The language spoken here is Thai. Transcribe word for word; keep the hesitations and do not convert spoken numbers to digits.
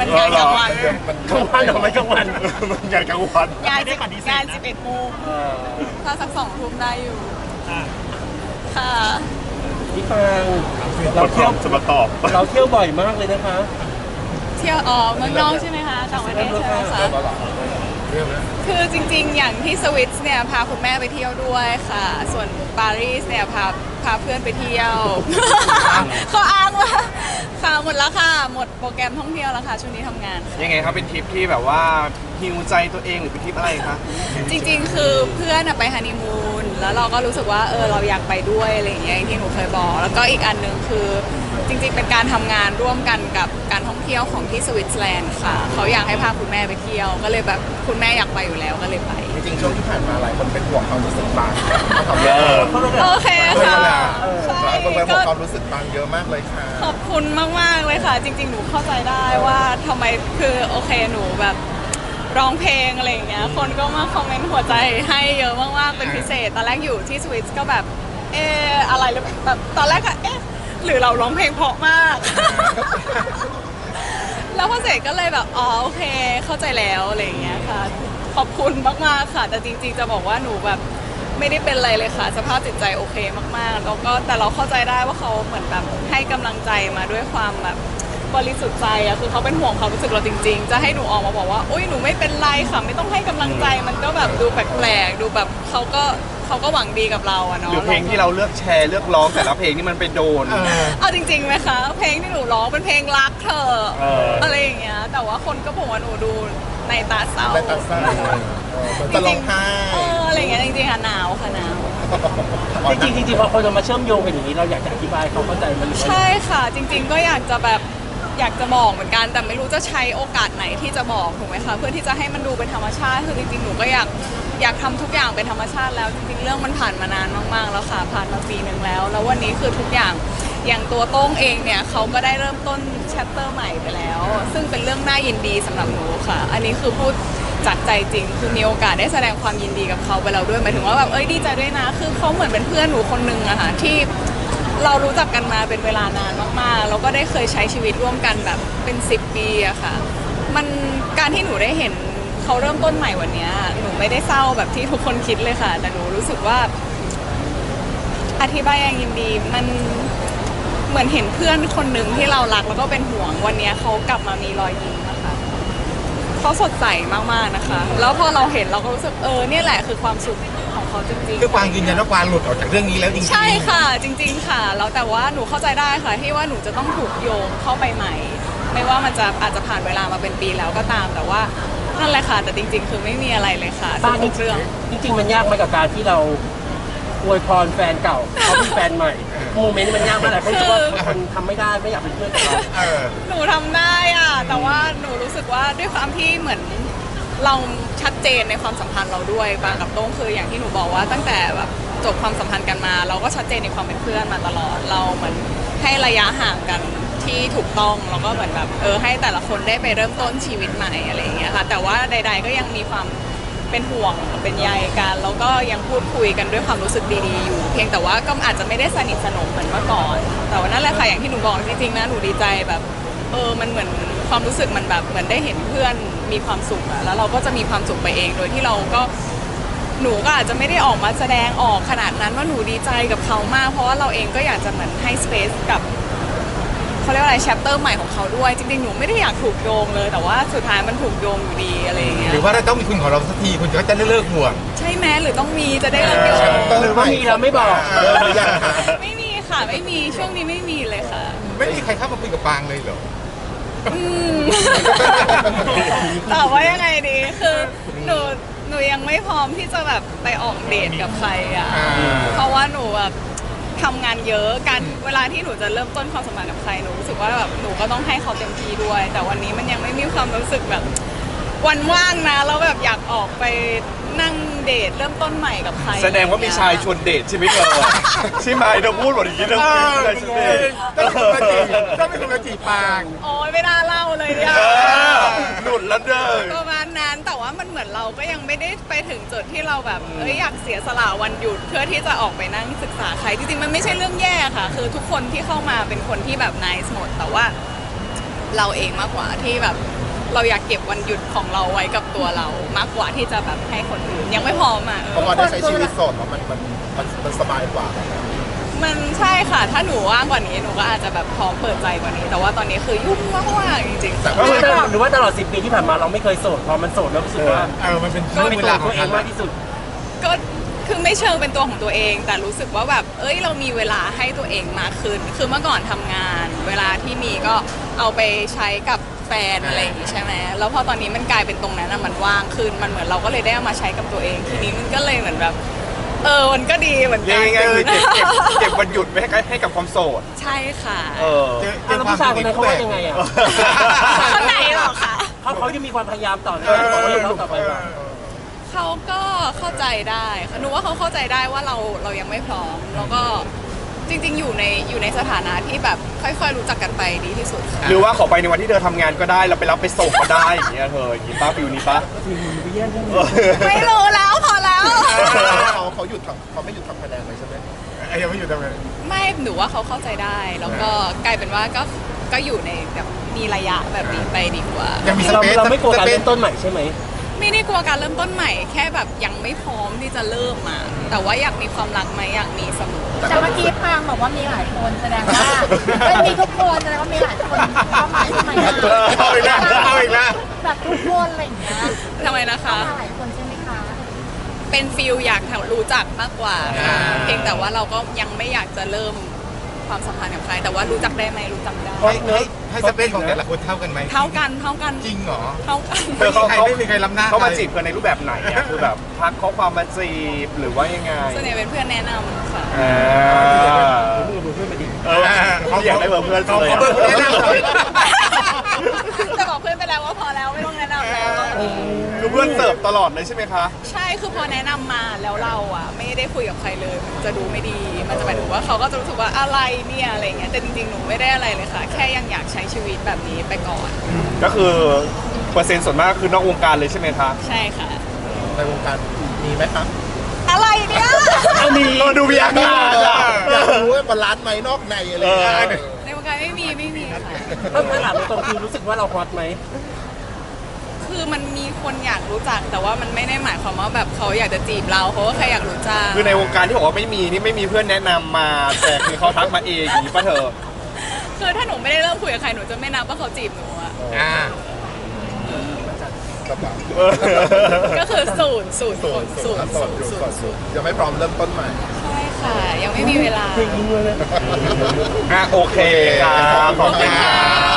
งานกลางวันกลางวันหรือไม่กลางวันมันงานกลางวันงานงานสิบเอ็ดโมงถ้าสักสองทุ่มได้อยู่ค่ะพี่ฟางเราเราเที่เที่ยยว วจะมาตอบเราเที่ยวบ่อยมากเลยนะคะเที่ยวอ๋อเมืองนอกใช่ไหมคะต่างประเทศใช่ไหมคะคือจริงๆอย่างที่สวิตเนี่ยพาคุณแม่ไปเที่ยวด้วยค่ะ ส่วนปารีสเนี่ยพาพาเพื่อนไปเที่ยว เขาอ้างว่าค่ะหมดแล้วค่ะหมดโปรแกรมท่องเที่ยวแล้วค่ะช่วงนี้ทำงานยังไงครับเป็นทริปที่แบบว่าฮิวใจตัวเองหรือเป็นทริปอะไรคะจริงๆ คือเพื่อนอะไปฮันนีมูนแล้วเราก็รู้สึกว่าเออเราอยากไปด้วยอะไรอย่างเงี้ยอย่างที่หนูเคยบอก แล้วก็อีกอันหนึ่งคือจริงๆ เป็นการทำงานร่วมกันกับการท่องเที่ยวของที่สวิตเซอร์แลนด์ค่ะเขาอยากให้พาคุณแม่ไปเที่ยว ก็เลยแบบคุณแม่อยากไปอยู่แล้วก็เลยไปจริงๆช่วงที่ผ่านมาหลายคนเป็นห่วงความรู้สึกบางเขาเออโอเคค่ะใช่คนเป็นห่ก็วงความรู้สึกบางเยอะมากเลยค่ะขอบคุณมากๆเลยค่ะ จริงๆ หนูเข้าใจได้ว่าทำไมคือโอเคหนูแบบร้องเพลงอะไรอย่างเงี้ยคนก็มาคอมเมนต์หัวใจให้เยอะมากๆเป็นพิเศษตอนแรกอยู่ที่สวิตก็แบบเอออะไรหรือแบบตอนแรกอะเอ๊ะหรือเราร้องเพลงเพราะมาก แล้วพอเสร็จก็เลยแบบอ๋อโอเคเข้าใจแล้วอะไรอย่างเงี้ยค่ะขอบคุณมากๆค่ะ แต่จริงๆจะบอกว่าหนูแบบไม่ได้เป็นอะไรเลยค่ะ สภาพจิตใจโอเคมากๆแล้วก็แต่เราเข้าใจได้ว่าเขาเหมือนแบบให้กำลังใจมาด้วยความแบบบริสุทธิ์ใจอะคือเขาเป็นห่วงความรู้สึกเราจริงๆจะให้หนูออกมาบอกว่าอุ้ยหนูไม่เป็นไรค่ะไม่ต้องให้กำลังใจมันก็แบบดูแปลกๆดูแบบเขาก็เขาก็หวังดีกับเราอะเนาะหรือเพลงที่เราเลือกแชร์เลือกร้องแต่ละเพลงนี่มันไปโดนเอาจริงๆไหมคะ เพลงที่หนูร้องเป็นเพลงรักเธอเออออะไรอย่างเงี้ยแต่ว่าคนก็บอกว่าหนูดูในตาเศร้าในตาเศร้ามันจะร้องไห้เอออะไรอย่างเงี้ยจริงๆค่ะหนาวค่ะหนาวจริงๆจริงๆพอคนเรามาเชื่อมโยงกันอย่างนี้เราอยากจะอธิบายเขาเข้าใจมันหรือว่าใช่ค่ะ จริงๆก็อยากจะแบบอยากจะบอกเหมือนกัน แต่ไม่รู้จะใช้โอกาสไหนที่จะบอกถูกไหมคะเพื่อที่จะให้มันดูเป็นธรรมชาติคือจริงๆหนูก็อยากอยากทำทุกอย่างเป็นธรรมชาติแล้วจริงๆเรื่องมันผ่านมานานมากๆแล้วค่ะผ่านมาปีหนึ่งแล้ว แล้ววันนี้คือทุกอย่างอย่างตัวโต้งเองเนี่ยเขาก็ได้เริ่มต้นแชปเตอร์ใหม่ไปแล้ว ซึ่งเป็นเรื่องน่ายินดีสำหรับหนูค่ะ อันนี้คือพูดจากใจจริงคือมีโอกาสได้แสดงความยินดีกับเขาไปแล้วด้วยหมายถึงว่าแบบเอ้ยดีใจด้วยนะคือเขาเหมือนเป็นเพื่อนหนูคนนึงอะค่ะที่เรารู้จักกันมาเป็นเวลานานมากๆแล้วก็ได้เคยใช้ชีวิตร่วมกันแบบเป็นสิบปีอะค่ะมันการที่หนูได้เห็นเขาเริ่มต้นใหม่วันนี้หนูไม่ได้เศร้าแบบที่ทุกคนคิดเลยค่ะแต่หนูรู้สึกว่าอธิบายอย่างยินดีมันเหมือนเห็นเพื่อนคนหนึ่งที่เรารักแล้วก็เป็นห่วงวันนี้เขากลับมามีรอยยิ้มนะคะเขาสดใสมากๆนะคะแล้วพอเราเห็นเราก็รู้สึกเออเนี่ยแหละคือความสุขของเขาจริงๆคือกวางยืนยันว่ากวางหลุดออกจากเรื่องนี้แล้วจริงๆใช่ค่ะจริงๆค่ะแล้วแต่ว่าหนูเข้าใจได้ค่ะที่ว่าหนูจะต้องถูกโยงเข้าไปใหม่ ไม่ว่ามันจะอาจจะผ่านเวลามาเป็นปีแล้วก็ตามแต่ว่านั่นแหละค่ะแต่จริง ๆ คือไม่มีอะไรเลยค่ะบ้านทุนี่กเรื่องจริงๆมันยากไหมกับการที่เราอวยพรแฟนเก่าเขามีแฟนใหม่โมเมนต์มันยากมากเลยเขาคิดว่าคนทำไม่ได้ไม่อยากเป็นเพื่อนกับเราเออหนูทำได้อะแต่ว่าหนูรู้สึกว่าด้วยความที่เหมือนเราชัดเจนในความสัมพันธ์เราด้วยบางกับโต้งคืออย่างที่หนูบอกว่าตั้งแต่แบบจบความสัมพันธ์กันมา เราก็ชัดเจนในความเป็นเพื่อนมาตลอดเราเหมือนให้ระยะห่างกันที่ถูกต้องแล้วก็เหมือนแบบเออให้แต่ละคนได้ไปเริ่มต้นชีวิตใหม่อะไรอย่างเงี้ยค่ะแต่ว่าใด ๆ ก็ยังมีความเป็นห่วงเป็นใยกันแล้วก็ยังพูดคุยกันด้วยความรู้สึกดีๆอยู่เพียงแต่ว่าก็อาจจะไม่ได้สนิทสนมเหมือนเมื่อก่อน แต่ว่านั่นแหละค่ะอย่างที่หนูบอกจริงๆนะหนูดีใจแบบเออมันเหมือนความรู้สึกมันแบบเหมือนได้เห็นเพื่อนมีความสุขอะแล้วเราก็จะมีความสุขไปเองโดยที่เราก็หนูก็อาจจะไม่ได้ออกมาแสดงออกขนาดนั้นว่าหนูดีใจกับเขามากเพราะว่าเราเองก็อยากจะเหมือนให้สเปซกับเขาเรียกว่าอะไรแชปเตอร์ใหม่ของเขาด้วยจริงๆหนูไม่ได้อยากถูกโยงเลยแต่ว่าสุดท้ายมันถูกโยงอยู่ดีอะไรอย่างเงี้ยหรือว่าเราต้องมีคุณของเราสักทีคุณก็จะเลิกห่วงใช่ไหมหรือต้องมีจะได้เลิกโยงหรือว่ามีเราไม่บอกเออหรือยังไม่มีค่ะไม่มีช่วงนี้ไม่มีเลยค่ะไม่มีใครเข้ามาคุยกับปางเลยเหรออืม ตอบว่ายังไงดีคือหนูหนูยังไม่พร้อมที่จะแบบไปออกเดทกับใครอ่ะอ่าเพราะว่าหนูแบบทำงานเยอะการเวลาที่หนูจะเริ่มต้นความสัมพันธ์กับใครหนูรู้สึกว่าแบบหนูก็ต้องให้เขาเต็มที่ด้วย แต่วันนี้มันยังไม่มีความรู้สึกแบบวันว่างนะแล้วแบบอยากออกไปนั่งเดทเริ่มต้นใหม่กับใครแสดงว่ามีชายชวนเดทใช่ไหมเธอใช่ไหมเธอพูดหมดอย่างนี้เธอมีชายชวนเดทต้องเป็นคนละจีบต้องเป็นคนละจีบปางโอ้ยไม่น่าเล่าเลยเนี่ยเออหลุดแล้วเด้อประมาณนั้นแต่ว่ามันเหมือนเราก็ยังไม่ได้ไปถึงจุดที่เราแบบเอ้ยอยากเสียสละวันหยุดเพื่อที่จะออกไปนั่งศึกษาใครจริงๆมันไม่ใช่เรื่องแย่ค่ะ คือทุกคนที่เข้ามาเป็นคนที่แบบ nice หมดแต่ว่าเราเองมากกว่าที่แบบเราอยากเก็บวันหยุดของเราไว้กับตัวเรามากกว่าที่จะแบบให้คนอื่นยังไม่พร้อมอ่ะเพราะว่าได้ใช้ชีวิตโสดแล้วมันมันมันมันสบายกว่ามันใช่ค่ะ ถ้าหนูว่างกว่านี้หนูก็อาจจะแบบพร้อมเปิดใจกว่านี้ แต่ว่าตอนนี้คือยุ่งมากๆจริงๆแต่หรือว่าหรือว่าตลอดสิบปีที่ผ่านมาเราไม่เคยโสดพอมันโสดแล้วรู้สึกว่าเออมันเป็นก็เป็นตัวตัวเองมากที่สุดก็คือไม่เชิงเป็นตัวของตัวเอง แต่รู้สึกว่าแบบเอ้ยเรามีเวลาให้ตัวเองมากขึ้น คือเมื่อก่อนทำงาน เวลาที่มีก็เอาไปใช้กับแฟนอะไรอย่างงี้ใช่ไหมแล้วพอตอนนี้มันกลายเป็นตรงนั้นอะมันว่างขึ้นมันเหมือนเราก็เลยได้เอามาใช้กับตัวเอง ทีนี้มันก็เลยเหมือนแบบเออมันก็ดีเหมือนกัยันงไงคือเก็บเก็บเก็บวันหยุดไว้ให้กับให้กับความโสดใช่ค่ะเออเจอเจอ่ะอแล้วความผู้ชายคนนั้นเขาว่ายังไงอ่ะคนไหนหรอคะเขาเขาจะมีความพยายามต่อในการบอกว่าเราต่อไปว่าเขาก็เข้าใจได้ค่ะหนูว่าเขาเข้าใจได้ว่าเราเรายังไม่พร้อม แล้วก็จริง ๆ อยู่ในอยู่ในสถานะที่แบบค่อยๆรู้จักกันไปดีที่สุดค่ะหรือว่าขอไปในวันที่เธอทำงานก็ได้เราไปรับไปส่งก็ได้อย่างเงี้ยเธออย่างงี้ป้าฟิวนี้ป้าไม่รู้แล้วพอแล้วเขาเขาหยุดทำเขาไม่หยุดทำคะแนนเลยใช่ไหมไอ้ยังไม่หยุดทำคะแนนไม่หนูว่าเขาเข้าใจได้ แล้วก็กลายเป็นว่าก็ก็อยู่ในแบบมีระยะแบบนี้ไปดีกว่ายังมีสเราเปซเราไม่กลัวการสปซเริ่มต้นใหม่ใช่ไหมไม่ได้กลัวการเริ่มต้นใหม่แค่แบบยังไม่พร้อมที่จะเริ่มมาแต่ว่าอยากมีความรักไหมอยากมีเสมอแต่เมื่อกี้พางบอกว่ามีหลายคนแสดงว่าไม่มีทุกคนแสดงว่ามีหลายคนเข้ามาใช่ไหมเอาอีกแล้วเอาอีกแล้วแบบทุกคนอะไรอย่างเงี้ยทำไมนะคะมาหลายคนใช่ไหมคะเป็นฟิลอยากรู้จักมากกว่าค่ะเพียงแต่ว่าเราก็ยังไม่อยากจะเริ่มความสัมพันธ์กับใคร แต่ว่ารู้จักได้ไหมรู้จักได้ให้ให้ให้สเปซของแต่ละคนเท่ากันไหมเท่ากันเท่ากันจริงเหรอเท่ากันเธอเขาใครเขาไม่มีใครล้ำหน้าเขามาใครจีบกันในรูปแบบไหนอะคือแบบทักข้อความมาจีบหรือว่ายังไงส่วนใหญ่เป็นเพื่อนแนะนำค่ะอ่าดูเพื่อนมาดิเออเขาอยากได้เบอร์เพื่อนเลยเขาเบอร์เพื่อนแนะนำหน่อยแต่บอกเพื่อนไปแล้วว่าพอแล้วไม่ต้องแนะนำแล้วคือเพื่อนเสิร์ฟตลอดเลยใช่ไหมคะใช่คือพอแนะนำมาแล้วเราอ่ะไม่ได้คุยกับใครเลยมันจะดูไม่ดี มันจะหมายถึงว่าเขาก็จะรู้สึกว่าอะไรเนี่ยอะไรเงี้ยแต่จริงๆหนูไม่ได้อะไรเลยค่ะ แค่ยังอยากใช้ชีวิตแบบนี้ไปก่อนก็คือเปอร์เซ็นต์ส่วนมากคือนอกวงการเลยใช่ไหมคะใช่ค่ะในวงการมีไหมครับอะไรเนี่ยอันนี้ดูมีอาการอะอยากรู้ว่าบาลานซ์ไหมนอกในอะไรอย่างเงี้ยเออในวงการไม่มีไม่มีค่ะถ้าถามตรงๆคือรู้สึกว่าเราฮอตไหมคือมันมีคนอยากรู้จัก แต่ว่ามันไม่ได้หมายความว่าแบบเขาอยากจะจีบเราเขาก็แค่อยากรู้จักคือในวงการที่บอกว่าไม่มีนี่ไม่มีเพื่อนแนะนำมา แต่คือเขาทักมาเองอย่างนี้ป่ะเธอคือถ้าหนูไม่ได้เริ่มคุยกับใครหนูจะไม่นับว่าเขาจีบหนูอะอ่าก็แบบก็คือศูนย์ศูนย์โสศูดนย์โสศูดนย์อยู่ศูโสนดย์อยู่ยังไม่พร้อมเริ่มต้นใหม่ใช่ค่ะ ยังไม่มีเวลาจริงเลยอ่ะโอเคครับขอบคุณครับ